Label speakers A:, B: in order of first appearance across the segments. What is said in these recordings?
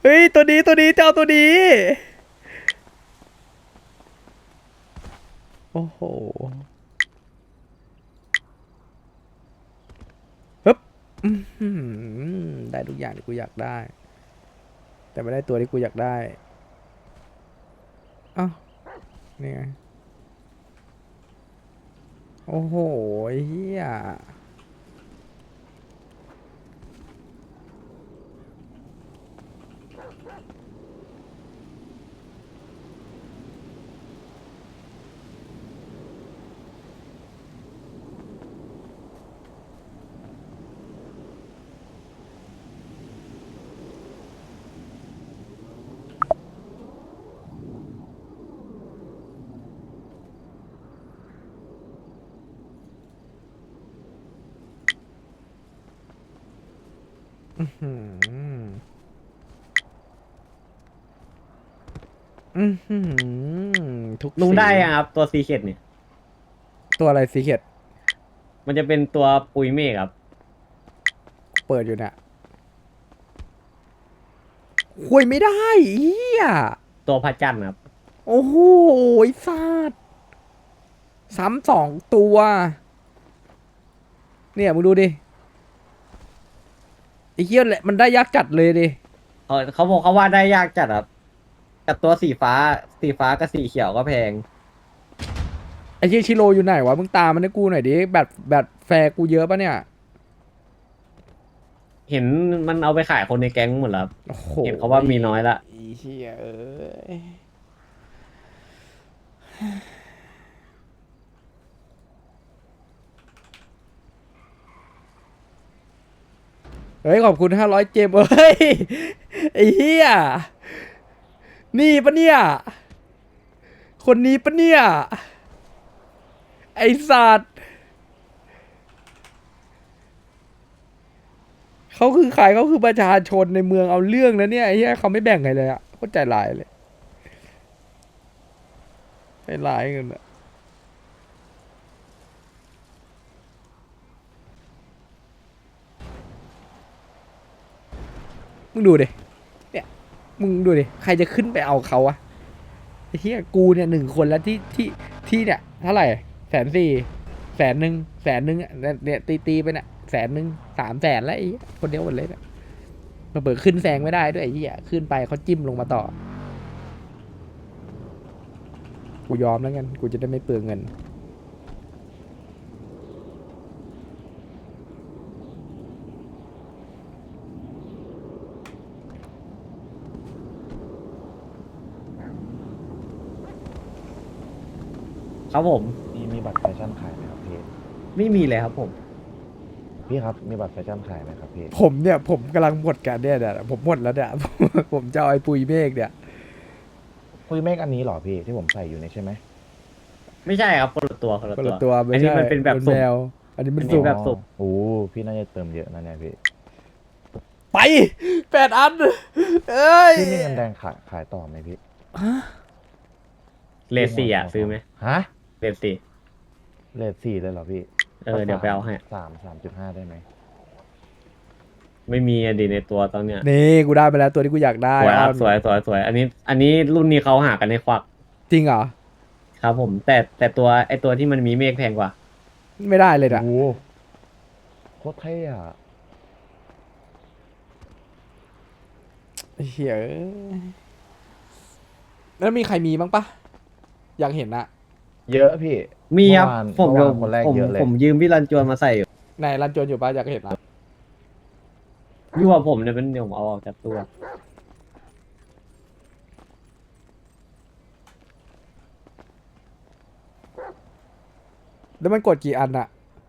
A: เฮ้ยตัวนี้เจ้าตัวนี้โอ้โหฮึบอื้อหือได้ทุกอย่างที่กูอยากได้แต่ไม่ได้ตัวที่กูอยากได้อ้าวนี่ไงโอ้โหเฮียอืมอืมทุก
B: ลุง
A: สี
B: ได้ยังครับตัวซีเคดเนี่ย
A: ตัวอะไรสีเขียด
B: มันจะเป็นตัวปุยเมฆครับ
A: เปิดอยู่เนี่ยคุยไม่ได้เฮีย
B: ตัวพระจันทร์ครับ
A: โอ้โหไอ้สัตว์ซ้ำสองตัวเนี่ยมึงดูดิไอ้เหี้ยแหละมันได้ยากจัดเลยดิ
B: เขาบอกเขาว่าได้ยากจัดครับกับตัวสีฟ้ากับสีเขียวก็แพง
A: ไอ้เหี้ยชิโร่อยู่ไหนวะมึงตามมันให้กูหน่อยดิแบบแฟร์กูเยอะปะเนี่ย
B: เห็นมันเอาไปขายคนในแก๊งหมดแล้วครับ
A: โอ้โห
B: เห็นเขาว่ามีน้อยละ
A: ไอ้เหี้ยเอ้ยเฮ้ยขอบคุณ500เจมเอ้ยไอ้เหี้ยนี่ปะเนี่ยคนนี้ปะเนี่ยไอ้สัตว์ เขาคือใครเขาคือประชาชนในเมืองเอาเรื่องนะเนี่ยไอ้เหี้ยเขาไม่แบ่งใครเลยอะโคตรใจร้ายเลยใจร้ายเงินอะมึงดูดิเนี่ยมึงดูดิใครจะขึ้นไปเอาเขาอะไอ้เหี้ยกูเนี่ย1 คนแล้วที่เนี่ยเท่าไหร่140,000100,000100,000อะเนี่ยตีไปเนี่ย100,000 300,000แล้วไอ้เหี้ยคนเดียวหมดเลยเนี่ยมาเบิดขึ้นแซงไม่ได้ด้วยไอ้เหี้ยขึ้นไปเขาจิ้มลงมาต่อกูยอมแล้วกันกูจะได้ไม่เปลืองเงิน
B: ครับผม
C: มีบัตรแฟชั่นขายไหมครับพี่
B: ไม่มีเลยครับผม
C: พี่ครับมีบัตรแฟชั่นขายไหมครับพี่
A: ผมเนี่ยผมกำลังหมดกันเนี่ยผมหมดแล้วเนี่ยผมจะเอาไอ้ปุยเมฆเนี่ย
C: คุยเมฆอันนี้เหรอพี่ที่ผมใส่อยู่นี่ใช่ไหม
B: ไม่ใช่ครับคนละตัวคนละ
A: คน
B: ตัว
A: ละตัว
B: อั
A: ไม่ใช่
B: นนี้มันเป็นแบบ
A: มันแม
B: สุ่ม
A: วอันนี้มั
B: อันนี้
A: นสุ่ม
B: แบบสุ่ม
C: โอ้พี่น่าจะเติมเยอะนะเนี่ยพี่
A: ไป8 อันเอ้ย
C: พี่มีเงินแดงขายต่อไหมพี่
B: เล
C: พี่
B: สซี่อ่ะซื้อไหม
C: ฮะ
B: เลสซี่
C: เรท 4เลยเหรอพี่
B: เดี๋ยวไปเอาให้
C: 3.5ได้ไหม
B: ไม่มีอะดีในตัวตอนเนี้ย
A: นี่กูได้ไปแล้วตัวที่กูอยากได้
B: สวยค
A: อ้อน
B: รับสวยอันนี้รุ่นนี้เขาหากันในควัก
A: จริงเหรอ
B: ครับผมแต่ตัวไอตัวที่มันมีเมฆแพงกว่า
A: ไม่ได้เลย
C: โอ้
A: นะ
C: โคตรเท่อะ
A: ไอ้เหี้ยเอ้ยแล้วมีใครมีบ้างปะอยากเห็นอะ
C: เยอะพี่
B: มีครับผม
C: เมื่อวานคนแรก
B: ผม
C: เยอะเลย
B: ผมยืมพี่รันจวนมาใส่อยู่
A: ไหนรันจวนอยู่ปะอยากเห็นอะ
B: ยั่วผมเนี่ยเป็นเดี๋ยวผมเอาออกจากตัว
A: แล้วมันกดกี่อันอะ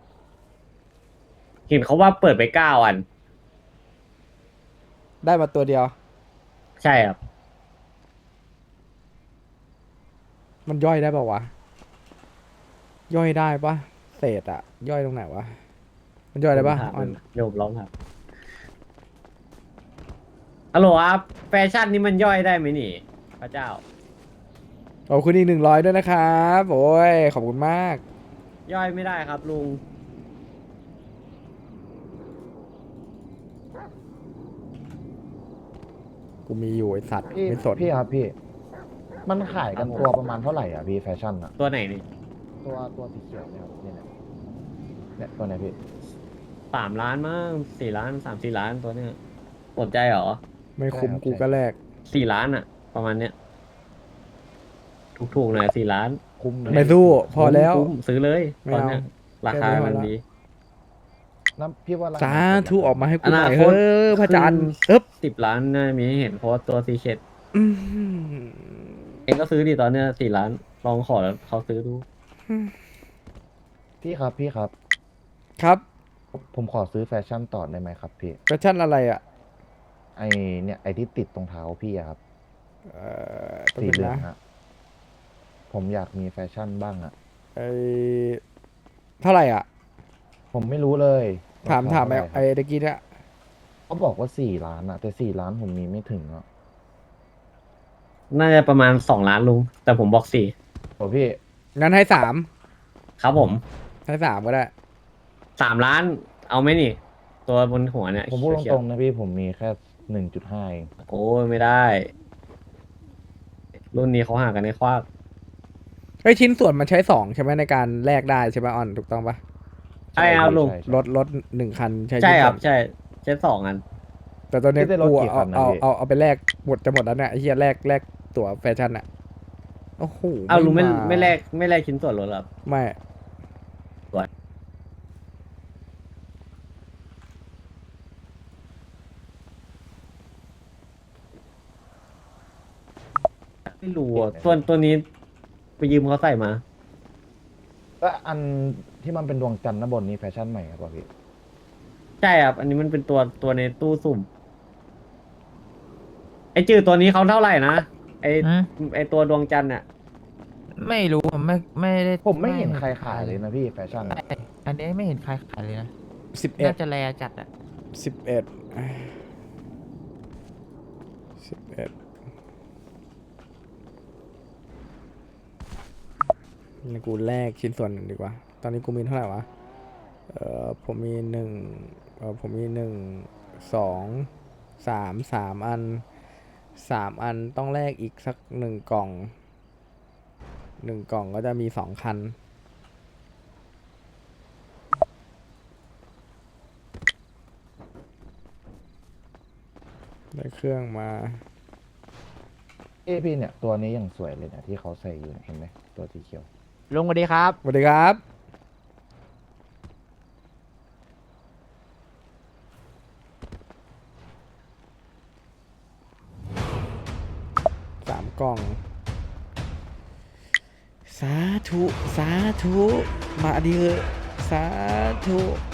B: เห็นเขาว่าเปิดไป9 อัน
A: ได้มาตัวเดียว
B: ใช่ครับ
A: มันย่อยได้ปะวะย่อยได้ปะเศษอะย่อยตรงไหนวะมันย่อยได้ปะ
B: ผมถาม
A: ออน
B: มันโยมร้องครับฮัลโหลครับแฟชั่นนี้มันย่อยได้ไหมนี่พระเจ้า
A: ขอบคุณอีก100ด้วยนะครับโอ้ยขอบคุณมาก
B: ย่อยไม่ได้ครับลุง
A: กูมีอยู่ไอสัตว์
C: พี่
A: ไม่สน
C: พี่ครับพี่ มันขายกัน
B: ครับผม
C: ตัวประมาณเท่าไหร่อ่ะพี่แฟชั่นอ่ะ
B: ตัวไหนนี่
C: ตัวสีเขียวเนี่ยครับเนี่ยตัวไหนพี่
B: 3 ล้านมั้ง4 ล้าน3-4 ล้านตัวเนี้ยสนใจเหรอ
A: ไม่คุ้ม
C: ใช่ครับ
A: กูก็แลก
B: 4 ล้านอะประมาณเนี้ยถูกๆหน่อย4 ล้าน
C: คุ้มเลย
A: ไม่สู้พอแล้ว
B: คุ้มซื้อเลย
A: ไม่
B: ตอน
A: เอา
B: เนี้ยราคา
A: แค่นี้พอ
B: มัน
A: ละ
B: ดี
C: น้ำพี่ว่าราค
A: สาธุออกมาให้กู
B: อ
A: ห
B: นา
A: น่อย
B: คต
A: เฮ้ยพระจันทร์เอ๊บ
B: 10 ล้านน่ามีให้เห็นเพราะว่าตัวซีเคท
A: อืม
B: เองก็ซื้อดิตอนเนี้ย4 ล้านลองขอเขาซื้อดู
C: พี่ครับพี่ครับ
A: ครับ
C: ผมขอซื้อแฟชั่นต่อได้ไหมครับพี่
A: แฟชั่นอะไรอ่ะ
C: ไอเนี่ยไอที่ติดตรงเท้าพี่อะครับ
A: ต้อง
C: สี
A: เป็น
C: เหลือง
A: นะ
C: ฮะผมอยากมีแฟชั่นบ้างอะ
A: ไอเท่าไหร่อ่ะ
C: ผมไม่รู้เลย
A: ถาม
C: รค
A: ถาม
C: เท่ไหร่
A: ไอ้ตะกี้เนี่ย
C: เขาบอกว่า4 ล้านอะแต่4 ล้านผมมีไม่ถึงอะ
B: น่าจะประมาณ2 ล้านลุง แต่ผมบอก4
C: โอ้พี่
A: งั้นให้สาม
B: ครับผม
A: ให้สามก็ได้
B: 3 ล้าน เอาไหมนี่ ตัวบนหัวเนี่ย
C: ผมพูดต
B: เขีย
C: ร
B: ว
C: งๆนะพี่ผมมีแค่1.5เอง
B: ๆโอ้ยไม่ได้ รุ่นนี้เขาหากันในควัก
A: ไอยชิ้นส่วนมันใช้สองใช่ไหมในการแลกได้ใช่ไหมออนถูกต้องปะ
B: ใช่ครับ
C: พี่
B: ลุง
C: ใช่
A: รถหนึ่งคันใช้
B: ใช่
A: ชิ้น
B: ค
A: ส่
B: รั
A: ว
B: บ
A: น
B: ใช่ใช้2 อัน
A: แต่ตอนเนี้ย
C: พี่ได้รถ
A: กู
C: กี่คันนะ
A: เอา
C: พี่
A: เอาไปแลกหมดจะหมดแล้วเนี่ยไอ้เหี้ยแลกตั๋วแฟชั่นอ่ะโอ้โห
B: เอาลุงไม่
A: า
B: ไม่แลกชิ้นส่วนรถเหรอครับ
A: ไม่
B: ไม่รู้อ่ะตัวนี้ไปยืมเขาใส่มา
C: แล้วอันที่มันเป็นดวงจันทร์ด้านบนนี้แฟชั่นใหม่ครับพี่
B: ใช่ครับ อันนี้มันเป็นตัวในตู้สุ่ม ไอจืดตัวนี้เขาเท่าไหร่นะ ไอ
D: อืม
B: ไอตัวดวงจันทร์อ่ะ
D: ไม่รู้ผมไม่ได้
C: ผมไม่เห็นใครขายเลยนะพี่แฟชั่นอะ
D: ใช่อันนี้ไม่เห็นใครขายเลยนะ
A: 11
D: น่าจะแลจัดอ่ะ
A: 11 11นี่กูแลกชิ้นส่วนหนึ่งดีกว่า ตอนนี้กูมีเท่าไหร่วะผมมีผมมี3 อัน3 อันต้องแลกอีกสัก1 กล่อง1 กล่องก็จะมี2 คัน ได้เครื่องมา
C: พี่เนี่ยตัวนี้ยังสวยเลยนะที่เขาใส่อยู่เนี่ยเห็นไหมตัวสีเขียว
D: ลุงสวัสดีครับ
A: สวัสดีครับ3 กล่อง สาธุ สาธุ มาดีเถอะสาธุ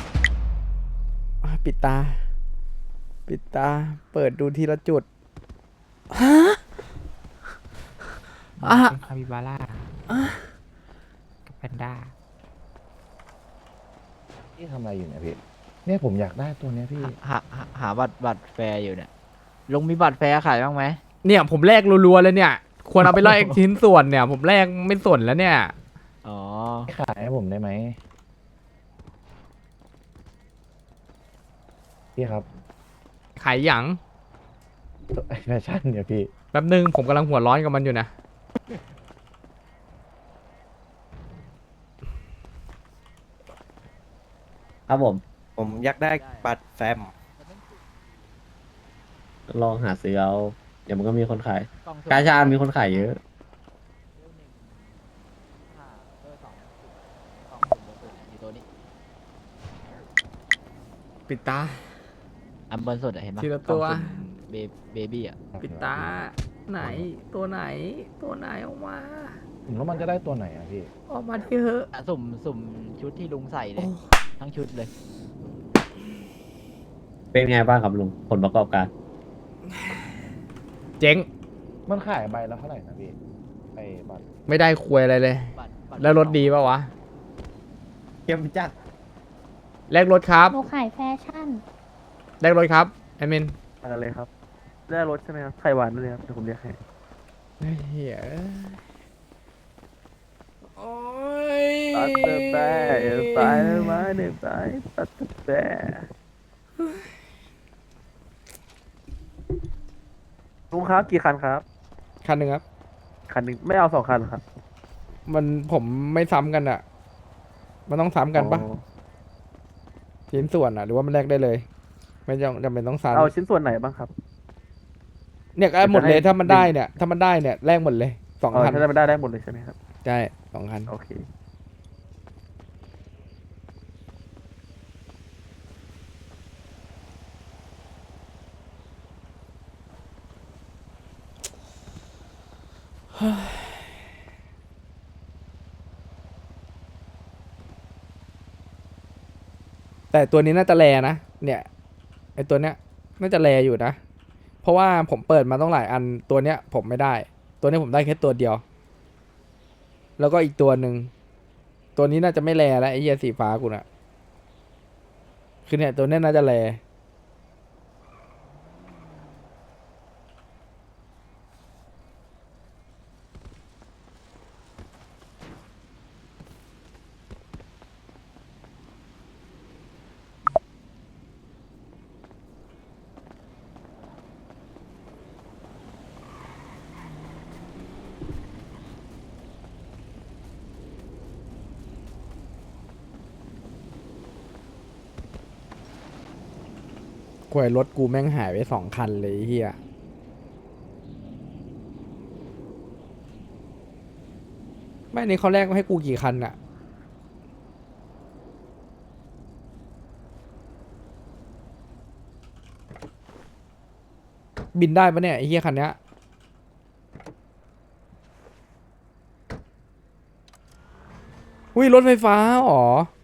A: ปิดตา ปิดตา เปิดดูทีละจุด ฮะ อ่ะ
D: เป็นคาบิบาร่ากับแพนด้า
C: พี่ทำอะไรอยู่เนี่ยพี่เนี่ยผมอยากได้ตัวเนี้ยพี่
D: หาบัตรแฟร์อยู่เนี่ยลุงมีบัตรแฟร์ขายบ้างไหม
A: เนี่ยผมแลกรัวๆเลยเนี่ย ควรเอาไปแลกชิ้นส่วนเนี่ย ผมแลกไม่สนแล้วเนี่ย
D: อ๋อ
C: ขายให้ผมได้ไหมพี่ครับ
A: ขายหยัง
C: ตัวแฟชั่นเนี่ยพี่
A: แป๊บนึงผมกำลังหัวร้อนกับมันอยู่นะ
B: ครับผม
E: ผมอยากได้บัตรแฟม
B: ลองหาซื้อเอา เดี๋ยวมันก็มีคนขาย
D: กล่องสุ่ม
B: กาชามีคนขายเยอะ
D: อยู่ตัวนี้
A: ปิดตา
D: อันบนสุดอะเห็นปะ
A: ทีละตัว
D: กล่องสุ่มเบบี้อะ
A: ปิดตา ไหน ตัวไหน ตัวไหนออกมา
C: ผมแล้วมันจะได้ตัวไหนอะพี่
A: ออกมาที่เถอะ
D: อ่ะสุ่มชุดที่ลุงใส่เลย ทั้งชุดเลย
B: เป็นไงบ้างครับลุง ผลประกอบการ
A: เจ๊ง
C: มันขายใบละเท่าไหร่นะพี่ไอ้บัตร
A: ไม่ได้ควยอะไรเลย
D: บัตร
A: แล้วรถดีป่าวะ
B: เข้มจัด
A: แลกรถครับ
F: หนูขายแฟชั่น
A: แลกรถครับแอดมิน
E: อะไรเลยครับได้รถใช่ไหมครับไข่หวานเลยครับเดี๋ยวผมเรียกให้
A: เฮียโอ้ย
E: ตัดเตอร์แบร์ไปมาเนี่ยไปตัดเตอร์แบร์ลุงครับกี่คันครับ
A: คันหนึ่งครับ
E: คันหนึ่งไม่เอา2 คันเหรอครับ
A: มันผมไม่ซ้ำกันอ่ะ มันต้องซ้ำกันปะ
E: อ๋อ
A: ชิ้นส่วนอ่ะ หรือว่ามันแลกได้เลย ไม่จำเป็นต้องซ้
E: เอาชิ้นส่วนไหนบ้างครับ
A: ำเนี่ยก็หมดเลยถ้ามันได้เนี่ย ถ้ามันได้เนี่ยแลกหมดเลยสอง
E: อ๋อ
A: คัน
E: ถ้าได้ไม่ได้หมดเลยใช่ไหมครับ
A: ใช่2 คัน
E: โอเค
A: แต่ตัวนี้น่าจะแรนะ เนี่ยไอตัวเนี้ยน่าจะแรอยู่นะ เพราะว่าผมเปิดมาต้องหลายอันตัวเนี้ยผมไม่ได้ ตัวนี้ผมได้แค่ตัวเดียว แล้วก็อีกตัวหนึ่งตัวนี้น่าจะไม่แรแล้วไอ้เหี้ยสีฟ้ากูน่ะคือเนี่ยตัวเนี้ยน่าจะแรกวยรถกูแม่งหายไป2 คันเลยไอ้เหี้ยไม่นี่เขาแลกมาให้กูกี่คันอะบินได้ปะเนี่ยไอ้เหี้ยคันเนี้ยอุ้ยรถไฟฟ้าเหรอ